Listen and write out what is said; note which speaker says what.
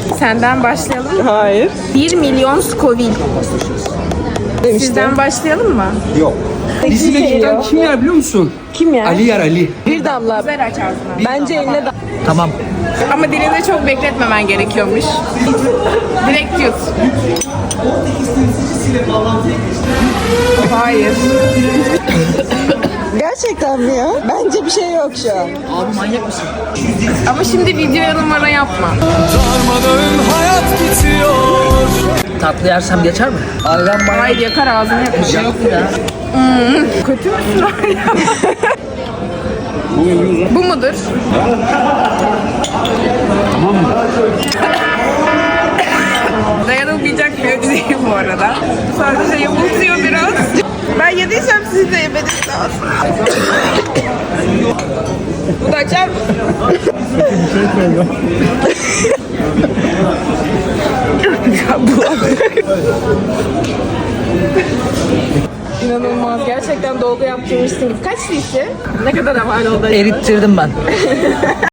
Speaker 1: Senden başlayalım mı?
Speaker 2: Hayır.
Speaker 1: 1 milyon Scoville.
Speaker 2: Demiştim.
Speaker 1: Sizden başlayalım mı?
Speaker 3: Yok. Bizi Mekik'ten kim yer biliyor musun?
Speaker 2: Kim ya?
Speaker 3: Ali yer Ali.
Speaker 2: Bir damla.
Speaker 1: Güzel aç ağzını.
Speaker 2: Bence eline
Speaker 3: Tamam.
Speaker 1: Ama dilinde çok bekletmemen gerekiyormuş. Direkt yut. Hayır.
Speaker 2: Gerçekten mi ya? Bence bir şey yok şu an.
Speaker 3: Abi manyak mısın?
Speaker 1: Ama şimdi videoya numara yapma.
Speaker 3: Tatlı yersem geçer mi? Abi ben manyak.
Speaker 1: Hayır, yakar ağzını yakar.
Speaker 3: Bir şey yok mu ya?
Speaker 1: Kötü müsün hala? Bu mudur?
Speaker 3: Tamam mı?
Speaker 1: Dayanılmayacak bir ödü değil bu arada. Sadece yamultuyor biraz. Ben yediysem siz de yemediniz aslında. Bu da açar mı? İnanılmaz. Gerçekten dolgu yaptırmışsınız. Kaç cc? Ne kadar aman oldu?
Speaker 3: Erittirdim ben.